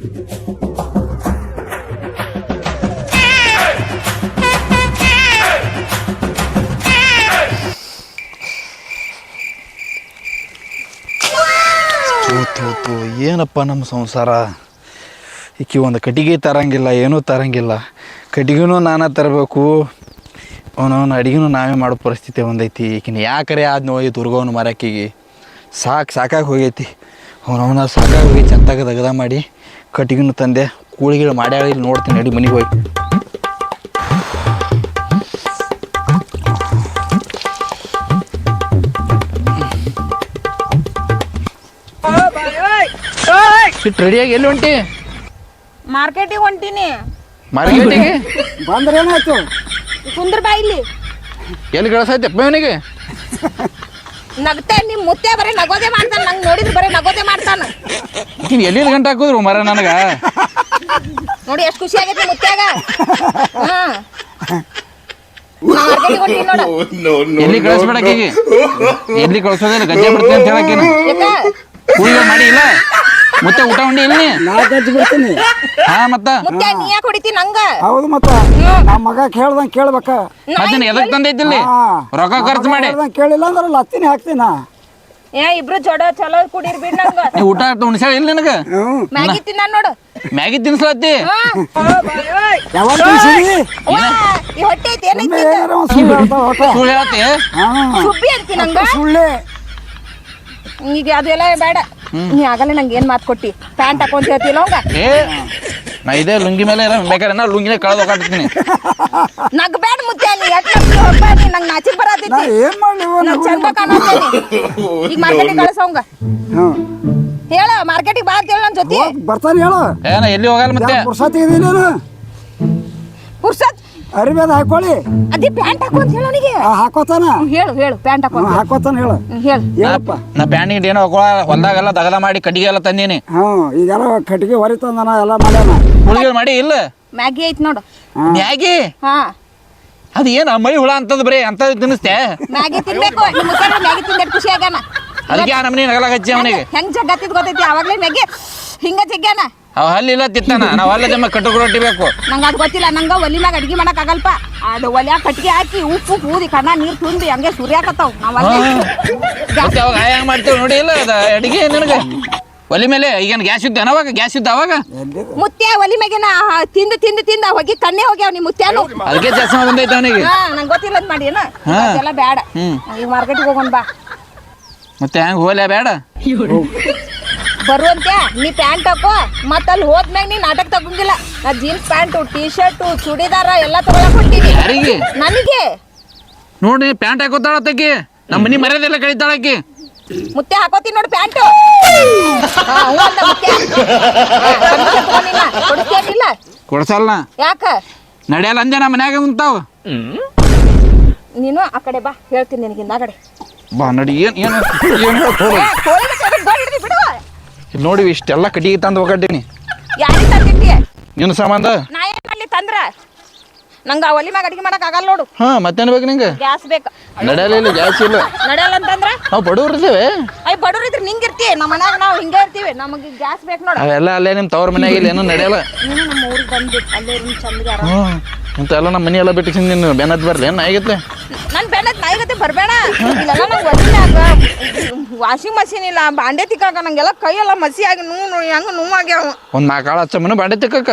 ಏನಪ್ಪ ನಮ್ಮ ಸಂಸಾರ. ಈಕಿ ಒಂದು ಕಟ್ಟಿಗೆ ತರಂಗಿಲ್ಲ, ಏನೂ ತರಂಗಿಲ್ಲ. ಕಟ್ಟಿಗೆನೂ ನಾನೇ ತರಬೇಕು, ಅವನವನ ಅಡುಗೆನೂ ನಾವೇ ಮಾಡೋ ಪರಿಸ್ಥಿತಿ ಒಂದೈತಿ. ಈಕಿನ ಯಾಕರೆ ಆದ್ ನೋಯಿ ದುರ್ಗವನು ಮರಕ್ಕಿಗೆ ಸಾಕಾಗಿ ಹೋಗೈತಿ. ಅವನವನ ಸಾಕಾಗಿ ಹೋಗಿ ಚಂತಾಗ ದಗದ ಮಾಡಿ ಕಟ್ಟಿಗೆನೂ ತಂದೆ ಕೂಳಿಗಳು ಮಾಡ್ಯಾಳ. ಇಲ್ಲಿ ನೋಡ್ತೀನಿ ನಡಿ ಮನೆಗೆ ಹೋಗಿ. ರೆಡಿಯಾಗಿ ಎಲ್ಲಿ ಹೊಂಟಿ? ಮಾರ್ಕೆಟಿಗೆ ಹೊಂಟೀನಿ. ಮಾರ್ಕೆಟಿಗೆ ಬಂದ್ರೆ ಏನಾಯ್ತು? ಕುಂದ್ರ ಬಾ ಇಲ್ಲಿ. ಎಲ್ಲಿ ಗಳಸೈತಪ್ಪ ಇವನಿಗೆ? ನಗ್ತೆ ನಿಮ್ಮ ಮುತ್ತೆ ಬರೀ ನಗೋದೆ ಮಾಡ್ತಾನ. ನಂಗೆ ನೋಡಿದ್ರೆ ಬರೀ ನಗೋದೆ ಮಾಡ್ತಾನ. ಎಲ್ಲಿ ಗಂಟೆ ಹಾಕಿದ್ರು ಮರ ನನಗ ನೋಡಿ ಎಷ್ಟು ಖುಷಿ ಆಗೈತಿ ಮುತ್ಯಾಗ. ಮಾರ್ಕೆಟಿಗೆ ಹೊಂಟೀನಿ ನೋಡು. ಎಲ್ಲಿ ಕಳಿಸ್ಬೇಡಕ್ಕೀಗೆ, ಎಲ್ಲಿ ಕಳ್ಸೋದಿಲ್ಲ ಗಜ್ಜೆ ಬಿಡ್ತೀನಿ ಅಂತ ಹೇಳಕ್ಕೇನು ಕೂಲಿ ಮಾಡಿ ಇಲ್ಲ. ಮತ್ತೆ ಊಟ ಉಂಡಿ ಇಲ್ಲಿ ನಾ ಗಜ್ಜಿ ಬಿಡ್ತೀನಿ. ಹಾ ಮತ್ತ ಮುತ್ತೆ ನೀ ಯಾಕೆ ಹೊಡಿತಿ ನಂಗ? ಹೌದು ಮತ್ತ ನಮ್ಮ ಮಗ ಕೇಳ್ದಂಗೆ ಕೇಳ್ಬೇಕ. ಮತ್ತೆ ಎದಕ್ ತಂದೈತಿಲ್ಲಿ ರೊಕ್ಕ ಖರ್ಚು ಮಾಡಿ? ಕೇಳಿಲ್ಲ ಅಂದ್ರೆ ಲತ್ತಿನಿ ಹಾಕ್ತೀನ. ಏ ಇಬ್ರು ಜೋಡ ಚಲೋ ಕುಡೀರ್ ಬಿಡ್ ನಂಗ. ನೀ ಊಟ ಉಣ್ಸ್ಯಾಳ ಇಲ್ಲ ನಿನಗ? ಮ್ಯಾಗಿ ತಿನ್ನ ನೋಡು. ಮ್ಯಾಗಿ ತಿನ್ಸ್ಲತ್ತಿ? ಯಾವಾಗ ತಿನ್ಸಿದಿ? ಈ ಹೊಟ್ಟೆ ಐತಿ ಏನೈತಿ? ಸುಳ್ಳು ಹೇಳತ್ತಿ? ಸುಬ್ಬಿ ಅಂತಿ ನಂಗ? ಸುಳ್ಳೆ. ಈಗ ಅದೆಲ್ಲ ಬೇಡ. ನೀ ಆಗಲ್ಲ ನಂಗೆ ಏನ್ ಮಾತು ಕೊಟ್ಟಿ? ಪ್ಯಾಂಟ್ ಹಾಕೊಂತ ಹೇಳ್ತಿಲ್ಲ ಅವಂಗ. ಏ ನಾ ಇದೇ ಲುಂಗಿ ಮೇಲೆ ಬೇಕಾದ್ರೆ ನಾ ಲುಂಗಿನೇ ಕಳೆದು ಹೋಗಾಡ್ತೀನಿ. ನಗ್ ಬೇಡ ಮುತ್ತೆ ನೀ ಹೋಗ್ಬ. ನೀ ನಂಗೆ ನಾಚಿಕ್ ಬರತೈತಿ. ಏನ್ ಮಾಡ್ಲಿ ನಂಗೆ ಚಂದ ಕಾಣತ್ತೇನಿ. ಈಗ ಮಾರ್ಕೆಟಿಗೆ ಕಳ್ಸವಂಗ ಹೇಳ. ಮಾರ್ಕೆಟಿಗೆ ಬಾ ಅಂತ ಹೇಳ ನನ್ನ ಜೊತೆ. ಬರ್ತಾನೆ ಹೇಳು. ಏನ ಎಲ್ಲಿ ಹೋಗಲ್ಲ ಮತ್ತೆ? ಪುರ್ಸತ್ ಇದೀನಿ ಪುರ್ಸತ್ ಅರಿಬೇದ ಹಾಕೊಳ್ಳಿ. ಅದೇ ಪ್ಯಾಂಟ್ ಹಾಕೋ ಅಂತ ಹೇಳ ಅವನಿಗೆ. ಹಾಕೋತಾನ. ಹೇಳು ಪ್ಯಾಂಟ್ ಹಾಕೋ. ಹಾಕೋತಾನ ಹೇಳು. ಹೇಳಪ್ಪ. ನಾ ಪ್ಯಾಂಟಿಗೆ ಏನೋ ಹೊಲ್ದಾಗೆಲ್ಲ ದಗದ ಮಾಡಿ ಕಟ್ಟಿಗೆ ಎಲ್ಲ ತಂದೀನಿ. ಈಗೆಲ್ಲ ಕಟ್ಟಿಗೆ ಹೊರಿತಂದನ ಎಲ್ಲ ಮಾಡ್ಯಾನ. ಹುಳಿಗಳು ಮಾಡಿ ಇಲ್ಲ. ಮ್ಯಾಗಿ ಐತ್ ನೋಡು. ಮ್ಯಾಗಿ? ಹಾ ಅದು ಏನು ಮೈ ಹುಳ ಅಂತದ್ ಬರೀ ಅಂತದ್ ತಿನ್ನಿಸ್ತೆ? ಮ್ಯಾಗಿ ತಿನ್ಬೇಕು. ನಿಮ್ಮ ಮುಖ ಮ್ಯಾಗಿ ತಿಂದ ಖುಷಿ ಆಗ್ಯಾನ. ಅದಕ್ಕೆ ಆ ನಮ್ಮನೆ ನಗಲ ಹಚ್ಚಿ ಅವನಿಗೆ. ಹೆಂಗ್ ಜಗ್ಗತ್ತಿದ್ ಗೊತ್ತೈತಿ ಅವಾಗ್ಲೇ ಮ್ಯಾಗಿ ಹಿಂಗ ಜಗ್ಗ್ಯಾನ. ಅವ ಹಲ್ಲಿಲ್ಲ ತಿತ್ತಾನ. ನಾವು ಹಲ್ಲ ಜಮ್ಮ ಕಟ್ಟುಕು ರೊಟ್ಟಿ ಬೇಕು. ನಂಗೆ ಅದು ಗೊತ್ತಿಲ್ಲ. ನಂಗೆ ಒಲಿ ಮ್ಯಾಗ ಅಡ್ಗೆ ಮಾಡಕ್ ಆಗಲ್ಪ. ಅದು ಒಲ್ಯಾಗ ಕಟ್ಟಿಗೆ ಹಾಕಿ ಉಪ್ಪು ಊದಿ ಕಣ್ಣ ನೀರು ತುಂಬಿ ಹಂಗೆ ಸುರಿಯಾಕತ್ತಾವ. ನಾವು ಅವಾಗ ಹೆಂಗ್ ಮಾಡ್ತೇವೆ ನೋಡಿ. ಇಲ್ಲ ಅದ ಅಡಿಗೆ ನಿನಗೆ ಒಲಿ ಮೇಲೆ ಈಗೇನು ಗ್ಯಾಸ್ ಇದ್ದ ಅವಾಗ? ಗ್ಯಾಸ್ ಇದ್ದ ಅವಾಗ? ಮುತ್ಯ ಒಲಿ ಮ್ಯಾಗೇನ ತಿಂದ ಹೋಗಿ ಕಣ್ಣೆ ಹೋಗ್ಯಾವ ನಿಮ್ಮ ಮುತ್ಯಾನು. ಅದಕ್ಕೆ ಜಾಸ್ತಿ ಬಂದೈತೆ ಅವನಿಗೆ. ನಂಗೆ ಗೊತ್ತಿಲ್ಲ ಅಂತ ಮಾಡಿ ಎಲ್ಲ ಬೇಡ. ಈಗ ಮಾರ್ಕೆಟಿಗೆ ಹೋಗೋಣ ಬಾ. ಮತ್ತೆ ಹೆಂಗ್ ಹೋಗ್ಲೇ ಬೇಡ ಬರುವಂತೆ ನೀ ಪ್ಯಾಂಟ್ ಹಾಕೋ. ಮತ್ತ ಅಲ್ಲಿ ಹೋದ್ಮ್ಯಾಗ ನೀ ನಾಟಕ ತಗೊಂಗಿಲ್ಲ. ನಾ jeans pant T shirt churidar ಎಲ್ಲ ತಗೊಳಕ್ ಹೊಂಟೀನಿ. ಯಾರಿಗೆ? ನನಗೆ ನೋಡಿ ಪ್ಯಾಂಟ್ ಹಾಕೋತಾಳತ್ತಕ್ಕೆ. ನಮ್ಮ ಮನಿ ಮರ್ಯಾದೆಲ್ಲ ಕಳಿತಾಳಕ್ಕೆ. ಮುತ್ತೆ ಹಾಕೋತೀನಿ ನೋಡಿ ಪ್ಯಾಂಟು. ಕೊಡಿಸ್ತೇನಿಲ್ಲ? ಕೊಡ್ಸಲ್ಲ. ಯಾಕ ನಡೆಯಲ್ಲ ಅಂದೆ ನಮ್ಮ ಮನ್ಯಾಗ ಉಂತಾವ. ನೀನು ಆ ಕಡೆ ಬಾ, ಹೇಳ್ತೀನಿ ನಿನಗಿಂದ ಆ ಕಡೆ ಬಾ ನಡಿ. ಏನು ನೋಡಿ ಇಷ್ಟೆಲ್ಲ ಕಟ್ಟಿಗೆ ತಂದು ಹೋಗಟ್ಟೀನಿ. ಯಾರಿಗೆ ತಂದಿಟ್ಟಿ? ನಿನ್ನ ಸಂಬಂಧ. ನಾ ಏನ್ ಮಾಡ್ಲಿ ತಂದ್ರ? ನಂಗೆ ಆ ಒಲಿ ಮ್ಯಾಗ ಅಡಿಗೆ ಮಾಡಕ್ ಆಗಲ್ಲ ನೋಡು. ಮತ್ತೇನ್ ಬೇಕು ನಿಂಗೆ? ಗ್ಯಾಸ್ ಬೇಕು. ನಡೆಯಲ್ಲ ಗ್ಯಾಸ್ ಇಲ್ಲ. ನಡೆಯಲ್ಲ ಅಂತಂದ್ರ ನಾವು ಬಡವ್ರು ಇರ್ತೇವೆ. ಅಯ್ಯ ಬಡವ್ರು ಇದ್ರೆ ನಿಂಗಿರ್ತಿ. ನಮ್ಮ ಮನ್ಯಾಗ ನಾವು ಹಿಂಗೆ ಇರ್ತೀವಿ. ನಮಗೆ ಗ್ಯಾಸ್ ಬೇಕು ನೋಡು. ಅವೆಲ್ಲ ಅಲ್ಲೇ ನಿಮ್ಮ ತವ್ರ ಮನ್ಯಾಗ ಇಲ್ಲ ಏನೂ ನಡೆಯಲ್ಲ. ನೀನು ನಮ್ಮ ಊರಿಗೆ ಬಂದ್ಬಿಟ್ಟು ಅಲ್ಲೇ ಚಂದ್ಗಾರ ಇಂತೆಲ್ಲ ನಮ್ಮ ಮನೆ ಎಲ್ಲ ಬಿಟ್ಟು ನೀನು ಬೆನ್ನತ್ ಬರ್ಲಿ ಏನು ಆಗೈತೆ? ನನ್ನ ಬೆನ್ನತ್ ನಾಯಿಗತ್ತೆ ಬರಬೇಡ. ಇಲ್ಲೆಲ್ಲ ನಂಗೆ ಒಲಿನಾಗ ವಾಷಿಂಗ್ ಮಷೀನ್ ಇಲ್ಲ, ಬಾಂಡೆ ತಿಕ್ಕಾಕ ನಂಗೆಲ್ಲ ಕೈಯೆಲ್ಲ ಮಸಿ ಆಗಿ ಹೆಂಗೆ ನೋವಾಗ್ಯಾವ. ಒಂದು 4 ಆಳು ಹಚ್ಚಮ್ಮನ ಬಾಂಡೆ ತಿಕ್ಕಕ್ಕ.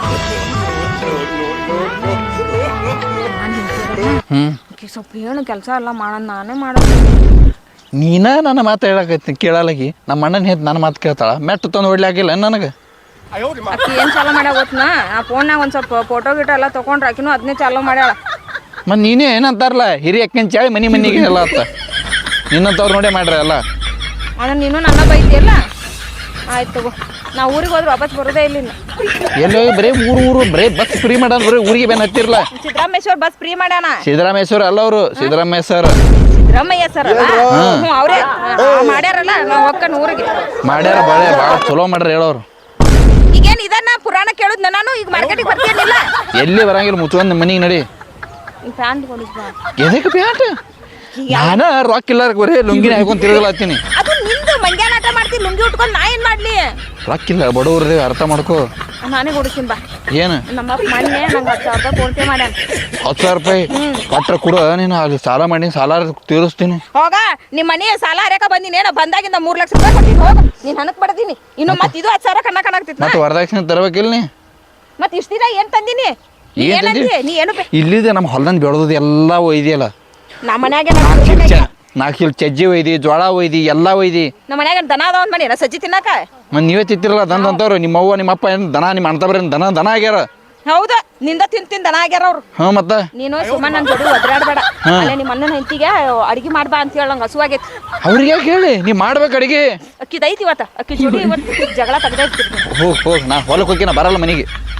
ಸ್ವಲ್ಪ ಹೇಳು ಕೆಲಸ ಎಲ್ಲ ಮಾಡೋಣ. ನಾನೇ ಮಾಡೋದು. ನೀನ ನನ್ನ ಮಾತು ಹೇಳಕತ್ತೀನಿ ಕೇಳಲಾಗಿ. ನಮ್ಮ ಅಣ್ಣನ ಹೇತ್ ನನ್ನ ಮಾತು ಕೇಳ್ತಾಳ. ಮೆಟ್ಟು ತಂದು ಹೊಡ್ಲಾಕಿಲ್ಲ ನನಗೆ. ಅಕ್ಕಿ ಏನು ಚಾಲೋ ಮಾಡ್ಯಾವ ಗೊತ್ತನಾ? ಆ ಫೋನ್ನಾಗ ಒಂದು ಸ್ವಲ್ಪ ಫೋಟೋ ಗಿಟೋ ಎಲ್ಲ ತೊಗೊಂಡ್ರೆ ಆಕಿನೂ ಅದನ್ನೇ ಚಾಲೋ ಮಾಡ್ಯಾಳ. ಮತ್ತು ನೀನೇ ಏನಂತಾರಲ್ಲ ಹಿರಿ ಅಕ್ಕನ ಚಾಳಿ ಮನಿಗೆ ಎಲ್ಲ ಆತ. ನಿನ್ನಂತವ್ರು ನೋಡೇ ಮಾಡ್ರಿ ಎಲ್ಲ. ಅಂದ್ರೆ ನೀನು ನನ್ನ ಬೈತಿಯಲ್ಲ. ಆಯ್ತು ತಗೋ. ನಾ ಊರಿಗೆ ಹೋದ್ರೆ ವಾಪಸ್ ಬರೋದೇ ಇಲ್ಲ. ಎಲ್ಲೋ ಬರೀ ಊರು ಬರೀ ಬಸ್ ಫ್ರೀ ಮಾಡ್ಯಾನ. ಬರೀ ಊರಿಗೆ ಬೇನ್ ಹತ್ತಿರಲ್ಲ. ಸಿದ್ದರಾಮೇಶ್ವರ ಬಸ್ ಫ್ರೀ ಮಾಡ್ಯಾನ. ಸಿದ್ದರಾಮೇಶ್ವರ ಅಲ್ಲ ಅವರು, ಸಿದ್ದರಾಮಯ್ಯ ಸರ್. ಸಿದ್ದರಾಮಯ್ಯ ಸರ್ ಅವರೇ ಮಾಡ್ಯಾರಲ್ಲ. ನಾವು ಹೊಕ್ಕನ ಊರಿಗೆ ಮಾಡ್ಯಾರ. ಭಾಳ ಚಲೋ ಮಾಡ್ರಿ ಹೇಳೋರು. ಈಗೇನು ಇದನ್ನ ಪುರಾಣ ಕೇಳುದ್ ನಾನು. ಈಗ ಮಾರ್ಕೆಟಿಗೆ ಬರ್ತೀನಿಲ್ಲ. ಎಲ್ಲಿ ಬರಂಗಿಲ್ಲ. ಮುಚ್ಚುವಂದು ಮನಿಗೆ ನಡಿ. ಪ್ಯಾಂಟ್ ಕೊಡಿಸ್ಬಾ. ಎದಕ್ಕೆ ಪ್ಯಾಂಟ್? ನಾನು ರೊಕ್ಕ ಇಲ್ಲ ಬರೀ ಲುಂಗಿನ ಹಾಕೊಂಡು ತಿರುಗಲಾತೀನಿ. ಅದು ನಿಂದು ಮಂಗ್ಯಾನ ಆಟ ಮಾಡ್ತೀನಿ ಲುಂಗಿ ಉಟ್ಕೊಂಡು ನಾ ಏನ್ ಮಾಡ್ಲಿ? ರೊಕ್ಕಿಲ್ಲ ಬಡವ್ರದೇ ಅರ್ಥ ಮಾಡ್ಕೋ. ನಾನೇ ಕೊಡಿಸ್ತೀನಿ ಬಾ. ಏನು ನಮ್ಮಪ್ಪ ಮೊನ್ನೆ ನಂಗೆ 10,000 ರೂಪಾಯಿ ಫೋನ್ ಪೇ ಮಾಡ್ಯಾನ. 10,000 ರೂಪಾಯಿ ಕೊಟ್ರೆ ಕೊಡು, ನೀನು ಅಲ್ಲಿ ಸಾಲ ಮಾಡಿ ಸಾಲ ತೀರಿಸ್ತೀನಿ. ಹೋಗ ನಿಮ್ಮ ಮನೆ ಸಾಲ ಹರ್ಯಾಕ ಬಂದಿನೇನ ಬಂದಾಗಿಂದ 3 ಲಕ್ಷ ರೂಪಾಯಿ ಕೊಟ್ಟಿನಿ. ಹೋಗ ನೀನ್ ಹನಕ್ ಬಡದೀನಿ ಇನ್ನು ಮತ್ತೆ ಇದು 10,000 ಕಣ್ಣಾಗ್ತಿತ್ತು. ಮತ್ತೆ ವರದಕ್ಷಿಣೆ ತರಬೇಕಿಲ್ಲ ನೀ? ಮತ್ತೆ ಇಷ್ಟ ದಿನ ಏನ್ ತಂದಿನಿ? ನೀ ಏನ್ ಏನಂದಿ? ತಂದಿ? ನೀ ಏನು ಇಲ್ಲಿದೆ ನಮ್ಮ ಹೊಲ್ದಂದು ಬೆಳೆದು ಎಲ್ಲ ಒಯ್ದಿಯಲ್ಲ. ನಮ್ಮ ಮನ್ಯಾಗ 4 ಕಿಲೋ ಚಜ್ಜಿ ಒಯ್ದಿ, ಜೋಳ ಒಯ್ದಿ, ಎಲ್ಲ ಒಯ್ದಿ. ನಮ್ಮ ಮನ್ಯಾಗ ದನ ಅದಾವ ಅಂದ್ ಮಾಡಿ ಸಜ್ಜಿ ತಿನ್ನಾಕ. ಮತ್ತೆ ನೀವೇ ತಿಂತಿರಲ್ಲ ದನ ಅಂತವ್ರು. ನಿಮ್ಮ ಅವ್ವ ನಿಮ್ಮ ಅಪ್ಪ ಏನು ದನ ನಿಮ್ಮ ಅಣ್ಣ ಬರೀ ದನ ಆಗ್ಯಾರ. ಹೌದಾ ನಿಂದ ತಿಂದ ದನ ಆಗ್ಯಾರ ಅವ್ರು. ಹಾಂ ಮತ್ತೆ ನೀನು ಸುಮ್ಮನೆ ನನ್ನ ಜೋಡಿ ಒದ್ರಾಡ್ಬೇಡ. ಅಲ್ಲೇ ನಿಮ್ಮ ಅಣ್ಣನ ಹೆಂಡತಿಗೆ ಅಡಿಗೆ ಮಾಡ್ಬಾ ಅಂತ ಹೇಳ ನಂಗೆ ಹಸುವಾಗೈತಿ. ಅವ್ರಿಗೆ ಯಾಕೆ ಹೇಳಿ ನೀ ಮಾಡ್ಬೇಕು ಅಡಿಗೆ. ಅಕ್ಕಿದೈತಿ ಇವತ್ತ ಅಕ್ಕಿ ಜೋಡಿ ಇವತ್ತು ಜಗಳ ತೆಗ್ದೈತಿ. ಹೋಗ್ ನಾ ಹೊಲಕ್ಕೆ ಹೋಗಿ ನಾ ಬರಲ್ಲ ಮನೆಗೆ.